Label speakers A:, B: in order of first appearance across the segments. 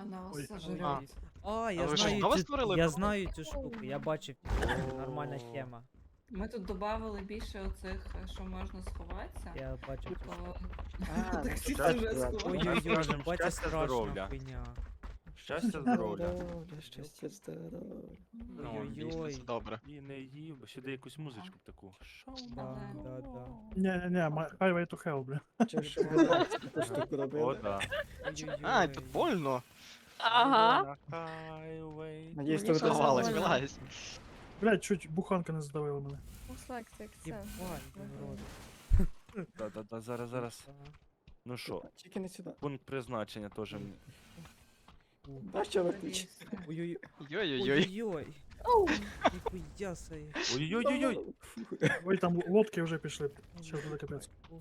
A: Она вас
B: Ой.
A: сожрет.
C: А ви щось нове створили?
D: Я знаю цю штуку, я бачив. Нормальна тема.
A: Ми тут додали більше оцих, що можна сховатися.
D: Я бачив цю штуку.
B: А,
A: Так всі
B: щастя,
A: вже сховали.
D: Ой-ой-ой,
B: Скажем,
D: бачиш
B: щастя,
D: страшна
B: здоров'я.
D: хуйня.
B: Щастя, здоров'я.
E: Щастя, здоров'я.
C: Ну, дійсно, це
D: Ой-ой-ой.
C: добре.
B: І не їв, сюди якусь музичку таку.
D: Да, да, да.
F: Не-не-не, Highway to Hell, бля.
E: Чи що ви таку штуку
B: О,
E: робили?
B: да.
C: А, тут больно.
G: Ага.
B: Highway.
E: Надіюсь,
G: Мені
E: ви
G: щось
C: Сховалась,
G: больно.
C: вилазь.
F: Блядь, чуть буханка не задавила мене.
G: Селекція, це.
D: Єбать, народ.
B: Да-да-да, зараз. Ну що,
E: Тільки не сюди.
B: пункт призначення теж.
E: Бачиш, що летить?
D: Ой-ой-ой.
C: Ой-ой-ой.
D: Ой-ой. Ніхуя собі.
B: Ой-ой-ой-ой.
F: Ой, там лодки вже пішли. Сейчас буде капець.
D: Ого.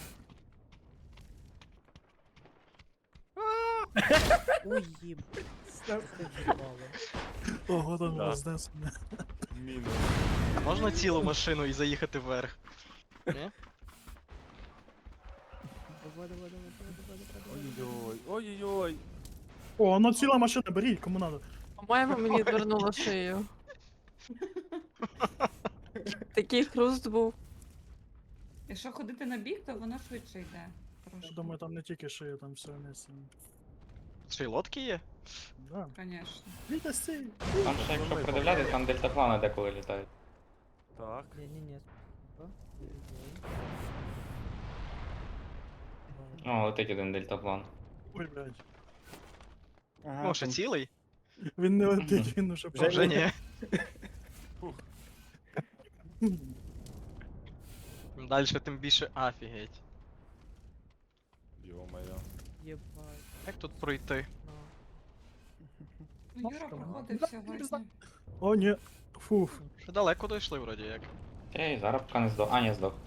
D: Ой, єб. Це в'їбало.
F: Ого, там
B: Да.
F: рознес мене.
B: Мінус.
C: А можна цілу машину і заїхати вверх? Ні?
D: Давай, давай, давай, давай, давай, давай.
B: Ой-ой-ой. Ой-ой-ой.
F: О, ну ціла машина, беріть, кому надо.
G: По-моєму, мені відвернуло шию. Такий хруст був.
A: Якщо ходити на бік, то воно швидше йде.
F: Я
A: Трошки.
F: думаю, там не тільки шия, там все вместе.
C: Ще й лодки є?
F: Да.
A: Конечно.
F: Вітя, стій!
H: Там ще якщо придивлятись, там дельтаплани деколи літають.
B: Так.
D: Ні-ні-ні.
H: О, летить один дельтаплан.
F: Ой, блядь.
E: Ага,
C: Ну, ще
E: там
C: цілий?
F: Він не летить, він уже
E: Вже
C: Вже ні. Дальше тим більше офігеть.
B: Йо-моє.
D: Єбать.
C: Як тут пройти?
D: На.
A: Ну, Юра проходив сьогодні.
F: О, ні. Фуф.
C: Ще далеко дійшли вроді як.
H: Ей, зараз поки не здох. А, не здох.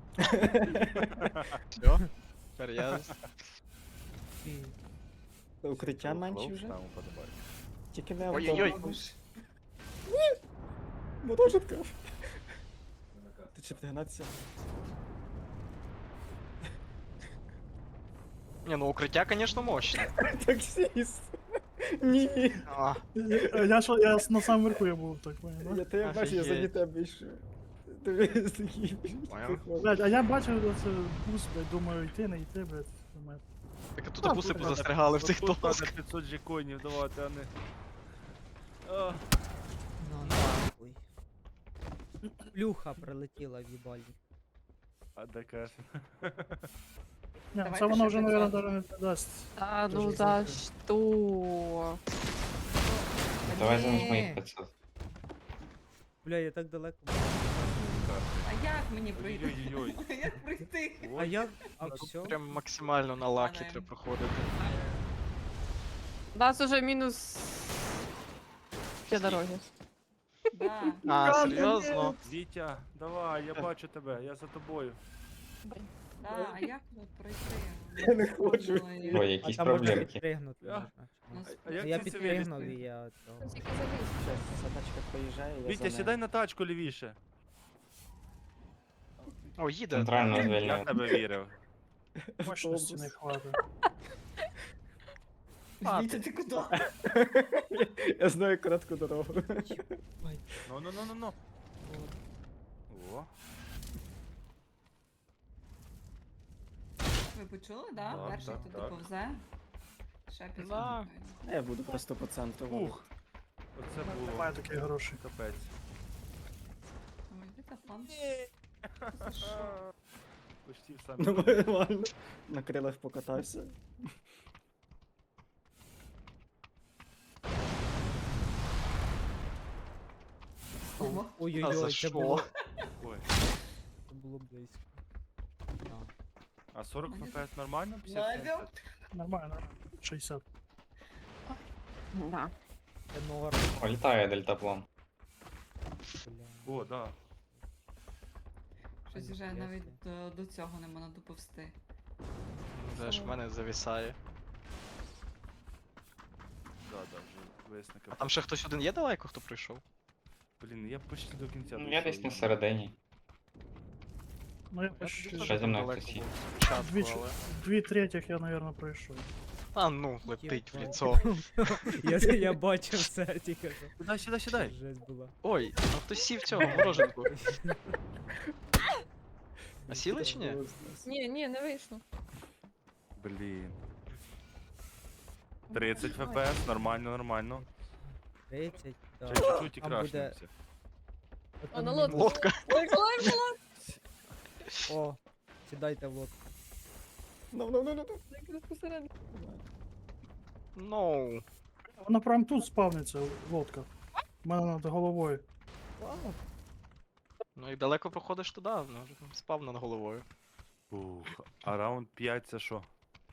C: Все. Тепер я...
D: Ти.
E: укриття менші вже.
B: Там подобається.
E: Тільки не
C: Ой-ой-ой.
E: автобус. Мотожитка. Ти чи пригнатися?
C: Ні, ну укриття, звісно, мощне.
E: Таксіст. Ні.
C: А,
F: Я на самому верху я був, так понял,
E: Я тебе бачу, я
C: Офігеть.
E: за тебе йшов. Ти такий.
C: Понял.
F: Блядь, а я бачив оце бус, блядь, думаю, йти, не йти, блядь. Думаю,
C: так а тут буси позастрягали в цих
B: Тут надо
C: досках.
B: 500 джеконів давати, а не... А,
D: На нахуй. Плюха прилетіла в їбальник.
B: а де каже?
F: Ні,
A: Давайте
F: це воно
A: ще
F: вже,
A: 500.
F: мабуть, навіть не дасть.
G: Та ну
F: Дуже
G: за
F: дякую.
G: що?
H: Давай
D: Ні.
H: замість моїх 500.
D: Бля, я так далеко.
A: А як мені пройти?
B: Ой-ой-ой.
A: Як пройти?
D: А як? А все?
C: Прям максимально на лакі
A: Падаємо.
C: треба проходити.
G: У нас уже мінус для дороги.
A: Да.
C: А, серйозно?
B: Вітя, давай, я бачу тебе, я за тобою.
A: Да, а як тут пройти?
E: Я не хочу.
A: Ой,
H: Ой,
D: А
H: якісь
D: там можна
H: проблемки.
D: підпригнути.
B: А?
D: можна, чи ні?
A: нас-
B: А як
D: Я
B: ти це
D: підпригнув
B: вилізти?
D: і я цього.
E: Щас, задачка проїжджає, я
B: Вітя,
E: за
B: сідай
E: нею.
B: на тачку лівіше.
C: О, їде.
H: Центрально
B: Я в
H: звільнив.
B: тебе вірив.
F: Мощності не хватить.
A: Вітя, ти куди?
E: Я знаю коротку дорогу.
B: Ну. О,
A: Ви почули, да?
B: Так,
A: Перший
B: так,
A: туди
B: так.
A: повзе. Ще 500.
C: Да.
E: Я буду просто по центру.
B: ух. Оце було
F: Немає таких грошей.
B: капець.
A: Ой, Віта, план. За що?
B: Почти в
E: Ну
B: самі.
E: нормально. На крилах покатався.
A: Ого.
C: А за
D: Ой-ой-ой, це
C: що?
D: було,
B: Ой.
D: це було близько. Да.
B: А 40 фпс нормально? 50?
A: Надя.
F: Нормально. 60.
G: Да.
D: Це норм,
H: О, літає дельтаплан.
D: бля.
B: О, да.
A: Щось вже навіть до цього не можна доповсти.
C: Вже ж в мене завісає.
B: Да, вже висника.
C: А там ще хтось один є далеко, хто прийшов?
B: Блін, я почти до кінця
H: Ну, я десь
B: дійшов.
H: на середині.
F: Ну, я
C: Я
F: почти
C: теж
H: Ще зі мною
C: далеко
H: хтось
C: був
H: є.
C: спочатку,
F: Двічі.
C: але...
F: 2/3 я, наверное, пройшов.
C: А ну, летить в
D: Єбать.
C: ліцо.
D: Я бачив це тільки що.
B: Сідай, сідай, сідай.
D: Жесть була.
C: Ой, а хтось сів цього мороженку. А сіли чи ні?
G: Ні, не вийшло.
B: Блін. 30 ФПС, нормально, нормально.
D: 30,
B: Ще
D: да.
B: чуть-чуть і
D: Там буде-
B: крашнемося.
G: О, на лодку.
C: Лодка.
G: Ой,
D: О, сідайте в лодку.
E: Ну.
G: якраз посередині.
C: Ну.
F: Вона прям тут спавниться, лодка. У мене над головою.
C: Ну і далеко проходиш туди, ну вже там спав над головою.
B: Ух, а раунд 5 це що?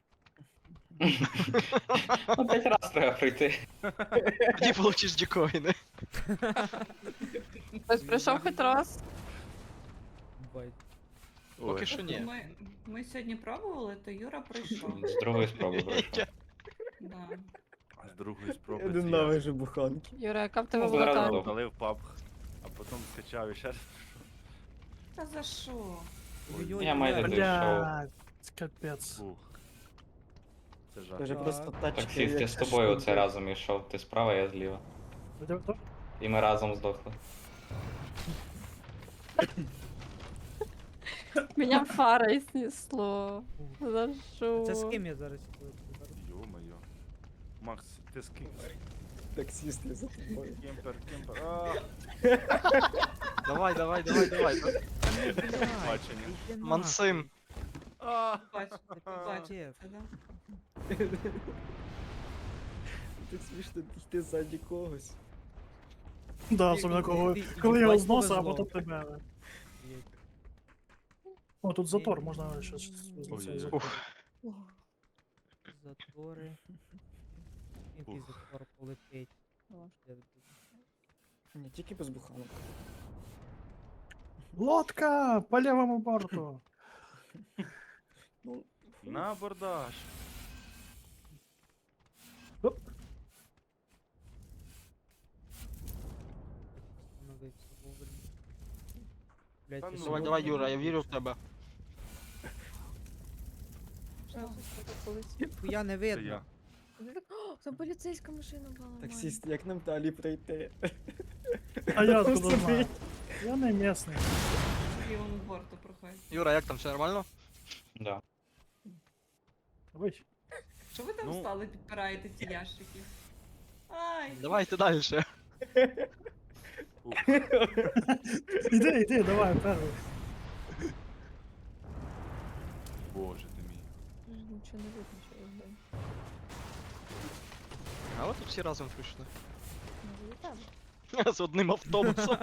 H: Ну, 5 раз треба пройти.
C: Тоді получиш дікоїни.
G: Хтось прийшов хоч раз.
D: Бать.
C: Поки
B: Ой.
C: що ні.
A: Ми сьогодні пробували, то Юра прийшов.
H: З другої спроби пройшов.
A: Да.
B: З другої спроби
E: Я
B: це я.
E: ненавижу буханки.
G: Юра, яка в тебе
H: Ну,
G: була
H: зараз
G: карта?
H: добре.
B: Залив паб, а потім скачав і ще раз.
A: Та за що?
D: Ой-ой-ой,
H: Я майже
D: блядь.
H: дійшов.
F: Блядь, капець.
B: Ух. Це жах.
E: Це вже
D: Так.
E: просто тачки.
H: Таксіст, я
E: як
H: з тобою
E: штуки.
H: оце разом йшов. Ти справа, я зліва. І ми разом здохли.
G: Меня фарой снесло. За що?
D: Це з ким я зараз сіду?
B: Йо-моє. Макс, ти з ким?
E: Таксіст я за тобою.
B: Кемпер, кемпер. А,
C: Давай.
B: бачення.
C: Мансим.
B: А,
A: Бач, бач,
D: Чеф.
A: це, да?
E: Так смішно йти ззаді когось.
F: Да, особливо коли я його зносив, а потім тебе. О, тут затор, можна щось
B: Ой-ой-ой.
F: з затор.
D: Затори. Який
B: Ух.
D: затор полетить.
E: Ні, тільки без буханок.
F: Лодка! По лівому борту!
E: Ну,
B: на абордаж.
F: Оп.
D: Остановився вовремя. Блядь,
B: Та
D: ти
B: ну.
D: що?
C: Давай, Юра, я вірю в тебе.
D: Хуя не
B: Це
D: видно.
B: я.
G: О, там поліцейська машина була.
E: таксіст, як нам далі пройти?
F: А я откуда
E: Собі.
F: знаю? Я не місний.
A: З лівому борту проходить.
C: Юра, як там, все нормально?
H: Да.
F: Ой.
A: Що ви там
B: Ну.
A: стали, підпираєте ті ящики? Ай!
C: Давайте далі.
F: Іди, давай, перший.
B: Боже ти мій.
G: Нічого не видно, що я знаю.
C: А от тут всі разом прийшли.
G: Може, і тебе.
C: З одним автобусом.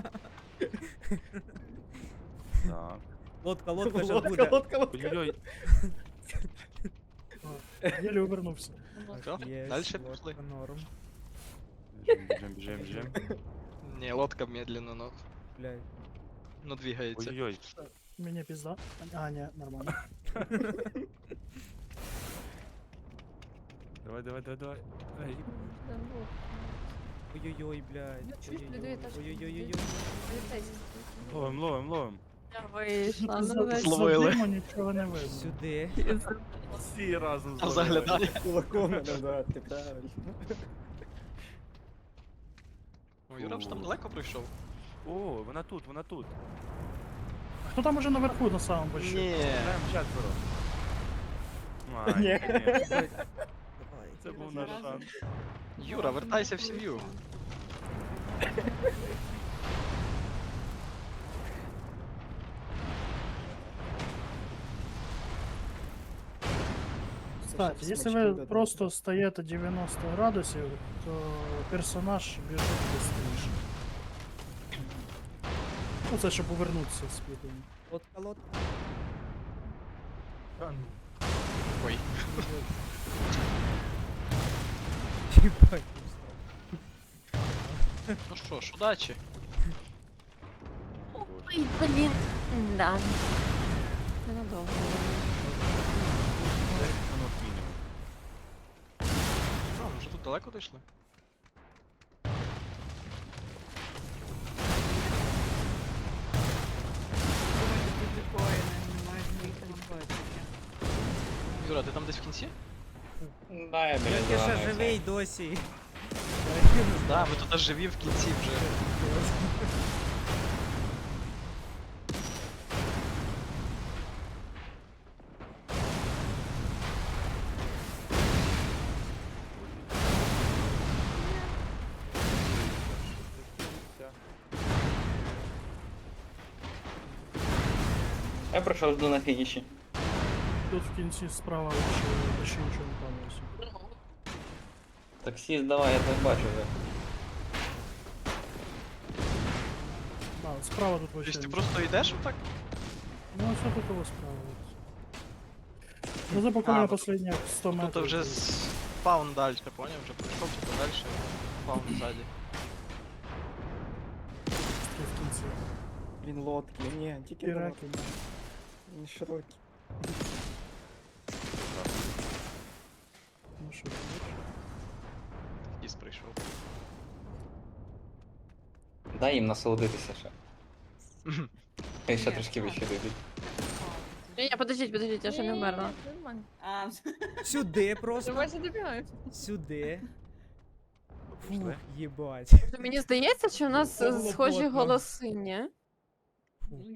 B: Так.
D: Лодка ще
E: Лодка,
D: буде.
E: лодка.
B: Ой-ой-ой.
F: Єлі увернувся.
C: Що?
D: Є,
C: Далі
D: лодка
C: пішли.
D: норм.
B: Біжим.
C: Ні, лодка медленно,
D: Блядь.
C: но двигається.
B: Ой-ой-ой.
F: Мені пізда. А, ні, нормально.
B: Давай. Ей.
G: Там був.
D: Ой-ой-ой, блядь.
G: Ну, чуєш, блядь, та ж-
D: Ой-ой-ой.
G: Поліцейський.
B: Ловим.
G: Я вийшла,
F: За-
G: ну ви
C: Зловили.
F: за диму нічого не видно.
D: Сюди.
B: Всі разом
C: Там
B: зловили.
C: заглядає.
E: Кулаком мене вдарити, правильно.
C: О, Юра ж там далеко прийшов.
B: О, вона тут.
F: Хто там уже наверху на самому большому?
C: Ні.
B: Граємо четверо. Ай,
E: Ні.
B: ні.
D: Давай.
B: Це був наш шанс.
C: Юра, вертайся в сім'ю.
F: Кстати,
E: Щось
F: якщо
E: смачки
F: ви
E: додати.
F: просто стаєте 90 градусів, то персонаж біжить швидше. Ну це щоб повернутися з підем.
D: Лодка.
B: Та ну.
C: Ой.
D: Єбать.
C: Ну що ж, удачі.
G: Ой, блін. Да. Ненадовго.
B: Минут мінімум.
C: А, вже тут далеко дійшли?
A: Думаю, тут дикоїни, немає звідти.
C: Юра, ти там десь в кінці?
H: Да, я біля
D: Ти ще
H: зеленої
D: живий
H: цей.
D: досі.
C: Да, ми тут аж живі в кінці вже.
H: Я пройшов жду на фініші.
F: Тут в кінці справа вообще нічого не планується.
H: Таксіст, давай, я тебе бачу вже.
F: Да, от справа тут вообще
C: Тобто ти
F: нічого.
C: просто йдеш отак?
F: Ну, все тут его справа. Вот. Ну, за пока
C: А,
F: на
C: вот
F: последних 100 метров.
C: Тут вже спаун далі, поняв? Вже прийшов типу далі, спаун ззаді.
F: в кінці.
E: Він лодки, ні, тільки
F: Піраки.
E: лодки. Він широкий.
F: Ну що, бачиш?
C: Діс прийшов.
H: Дай їм насолодитися ще. Хай ще
A: Ні,
H: трошки
A: так.
H: вище дійдуть.
G: Ні, подождіть, я ще не вмерла.
A: А,
D: Сюди просто.
G: Давайте добігають.
D: Сюди. Фух,
C: Пішли.
D: їбать.
G: Мені здається, що у нас
F: Це було
G: схожі
F: плотно.
G: голоси, ні?